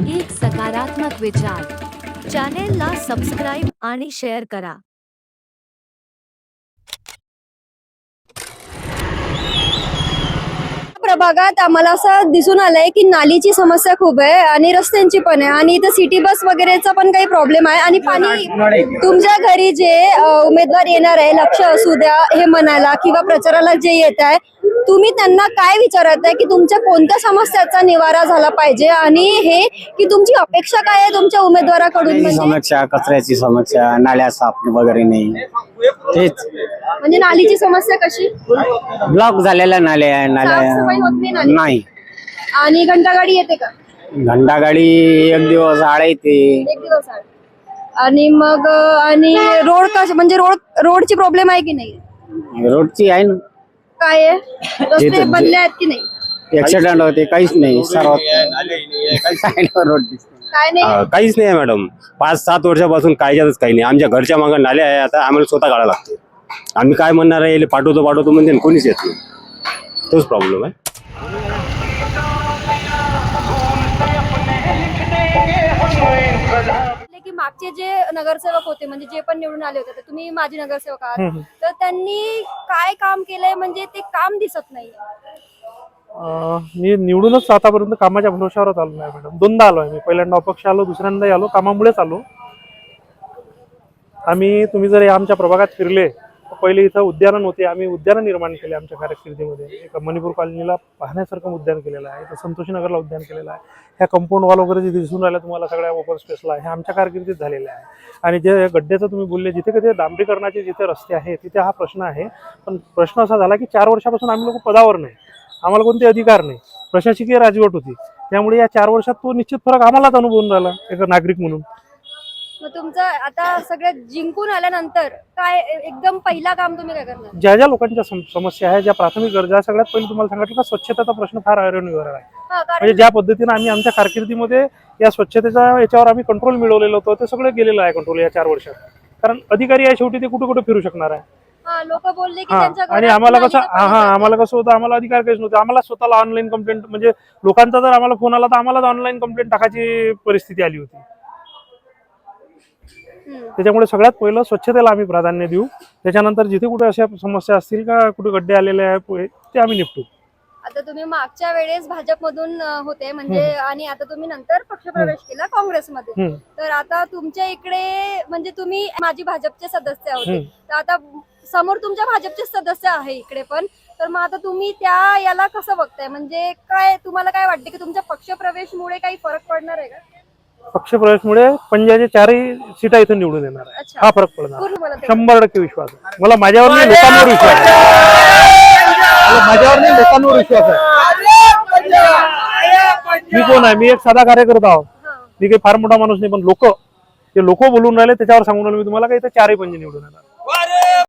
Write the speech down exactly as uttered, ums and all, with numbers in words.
एक सकारात्मक विचार. चॅनेलला सबस्क्राईब आणि शेअर करा. प्रभागात आम्हाला असं दिसून आलंय की नालीची समस्या खूप आहे आणि रस्त्यांची पण आहे आणि इथं सिटी बस वगैरेचा पण काही प्रॉब्लेम आहे आणि पाणी तुमच्या घरी जे अ, उमेदवार येणार आहे लक्ष असू द्या हे म्हणायला किंवा प्रचाराला जे येत आहे तुम्ही त्यांना काय विचारत आहे की तुमच्या कोणत्या समस्याचा निवारा झाला पाहिजे आणि हे की तुमची अपेक्षा काय आहे तुमच्या उमेदवाराकडून म्हणजे समस्या कचऱ्याची समस्या नाल्या साफ वगैरे नाही तेच म्हणजे नालीची समस्या कशी ब्लॉक झालेल्या नाल्या आहे साफसफाई होत नाही नाल्या नाली? नाही आणि घंटागाडी येते का घंटागाडी एक दिवस आड येते एक दिवस आड. आणि मग अ, आणि रोड कश म्हणजे रोड रोडची प्रॉब्लेम आहे की नाही रोडची आहे ना काय आहे रस्ते जे- बनले आहेत की नाही ऍक्सिडेंट होते काहीच नाही सर्व रोड दिसते काय नाही हा, काहीच नाही आहे मॅडम. पाच सात वर्षापासून कायच्यातच काही नाही. आमच्या घरच्या मागं नाले आहे, आता आम्हाला स्वतः काढायला लागते. आम्ही काय म्हणणार आहे याले पाठवतो पाठवतो म्हणजे आणि कोणीच येत नाही. तोच प्रॉब्लेम आहे. की मागचे जे नगरसेवक होते म्हणजे जे पण निवडून आले होते तर तुम्ही माझे नगरसेवक आहात तर त्यांनी काय काम केलंय म्हणजे ते काम दिसत नाही अं, मी निवडूनच आतापर्यंत कामाच्या भरोशावरच आलो नाही मॅडम. दोनदा आलो आहे मी. पहिल्यांदा अपक्ष आलो, दुसऱ्यांदा आलो कामामुळेच आलो. आम्ही तुम्ही जर आमच्या प्रभागात फिरले तर पहिले इथं उद्यानं होते. आम्ही उद्यानं निर्माण केले आमच्या कारकिर्दीमध्ये. एक मणिपूर कॉलनीला पाहण्यासारखं उद्यान केलेलं आहे, तर संतोषीनगरला उद्यान केलेलं आहे. ह्या कंपाऊंड वॉल वगैरे जे दिसून राहिलं तुम्हाला सगळ्या ओपन स्पेसला हे आमच्या कारकिर्दीत झालेलं आहे. आणि जे गड्ड्याचं तुम्ही बोलले जिथे कधी डांबरीकरणाचे जिथे रस्ते आहेत तिथे हा प्रश्न आहे. पण प्रश्न असा झाला की चार वर्षापासून आम्ही लोक पदावर नाही, आम्हाला कोणते अधिकार नाही, प्रशासकीय राजवट होती. त्यामुळे या चार वर्षात तो निश्चित फरक आम्हालाच अनुभवून राहिला एक नागरिक म्हणून. मग तुमचं आता सगळं जिंकून आल्यानंतर काय एकदम पहिला काम तुम्ही काय करणार ज्या ज्या लोकांच्या सम- समस्या आहे, ज्या प्राथमिक गरजा, सगळ्यात पहिले तुम्हाला सांगितलं का स्वच्छतेचा प्रश्न फार ऐरणीवर आहे. हा, कारण म्हणजे ज्या पद्धतीने आम्ही आमच्या कारकिर्दीमध्ये या स्वच्छतेचा याच्यावर आम्ही कंट्रोल मिळवलेलं होतं ते सगळं गेलेलं आहे कंट्रोल या चार वर्षात. कारण अधिकारी आहे शेवटी, ते कुठे कुठे फिरू शकणार आहे. हा लोक बोलले की हा त्यांच्या आणि घरात आम्हाला कसं नालीचं हा पाणी हा जातं. आम्हाला कसं होतं, आम्हाला अधिकार काहीच नव्हते. आम्हाला स्वतःला ऑनलाईन कंप्लेंट म्हणजे लोकांचा जर आम्हाला फोन आला तर आम्हालाच ऑनलाईन कंप्लेंट टाकायची परिस्थिती आली होती. हम्म. त्याच्यामुळे सगळ्यात पहिलं स्वच्छतेला आम्ही प्राधान्य देऊ. त्याच्यानंतर जिथे कुठे अशा समस्या असतील का कुठे गड्डे आलेले आहे ते आम्ही निपटू. आता तुम्ही मागच्या वेळेस भाजपमधून अ, होते म्हणजे आणि आता तुम्ही नंतर पक्षप्रवेश केला काँग्रेसमध्ये हम्म. तर आता तुमच्या इकडे म्हणजे तुम्ही माजी भाजपचे सदस्य होते हम्म. तर आता समोर तुमच्या भाजपचे सदस्य आहे इकडे पण तर मग आता तुम्ही त्या याला कसं बघताय म्हणजे काय तुम्हाला काय वाटते की तुमच्या पक्षप्रवेशमुळे काही फरक पडणार आहे का पक्षप्रवेशमुळे पंजाबच्या चारही सीटा इथून निवडून येणार आहे. अच्छा. हा फरक पडणार पूर्ण मला ते- शंभर टक्के विश्वास आहे. मला माझ्यावर नाही लोकांवर विश्वास आहे. मला माझ्यावर नाही लोकांवर विश्वास आहे. मी कोण आहे, मी एक साधा कार्यकर्ता आहो. हा. मी काही फार मोठा माणूस नाही, पण लोक ते लोक बोलून राहिले त्याच्यावर सांगून राहिले मी तुम्हाला काही तर चारही पंजे निवडून येणार.